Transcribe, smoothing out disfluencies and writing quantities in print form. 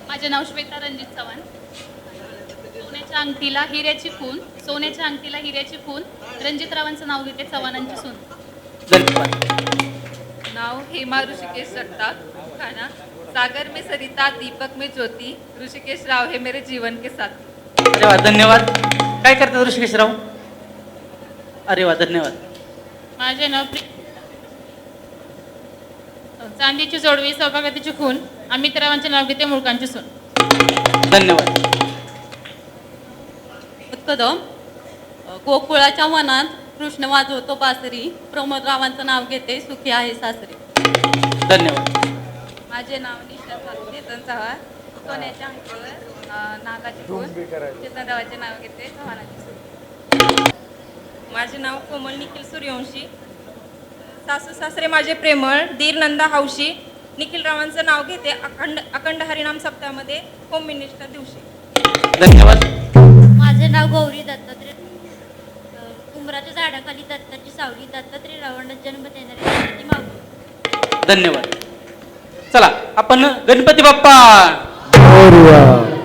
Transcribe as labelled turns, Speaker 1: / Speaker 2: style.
Speaker 1: माझे नाव श्वेता रणजित चव्हाण. सोन्याच्या अंगठीला हिऱ्याची खून, सोन्याच्या अंगठीला हिऱ्याची खून, रणजितरावांचं नाव घेते, चव्हाणांची सून.
Speaker 2: धन्यवाद.
Speaker 3: नाव हेमा ऋषिकेश जगताप खाना. सागर में सरिता, दीपक में ज्योति, ऋषिकेश राव है मेरे जीवन के साथी.
Speaker 2: अरे वा, धन्यवाद. काय करतात ऋषिकेशराव? अरे वा, धन्यवाद.
Speaker 1: माझे नाव चांदीची जोडवी, सौभाग्यवतीची खून, अमितरावांचे नाव घेते, मुळकांची सून.
Speaker 2: धन्यवाद.
Speaker 4: कदम गोकुळाच्या वनात कृष्ण वाजवतो बासरी, प्रमोदरावांचं नाव घेते, सुखी आहे सासरी.
Speaker 2: धन्यवाद.
Speaker 3: माझे नाव निशा चेतन चव्हाण. सोन्याच्या अंगठीवर नागाची खून, चेतनरावांचे नाव घेते, चव्हाणांची सून.
Speaker 5: माझे नाव कोमल निखिल सूर्यवंशी. सासू सासरे माझे प्रेमळ, दीर नंदा हौशी, निखिलरावांचं नाव घेते, अखंड हरिनाम सप्ताहामध्ये होम मिनिस्टर दिवशी.
Speaker 2: धन्यवाद.
Speaker 6: माझे नाव गौरी दत्तात्रय. उंबराच्या झाडाखाली दत्ताची सावली, दत्तात्रय रावणाचा जन्म देणारी दत्ताची माऊली.
Speaker 2: धन्यवाद. चला आपण गणपती बाप्पा
Speaker 7: मोरया.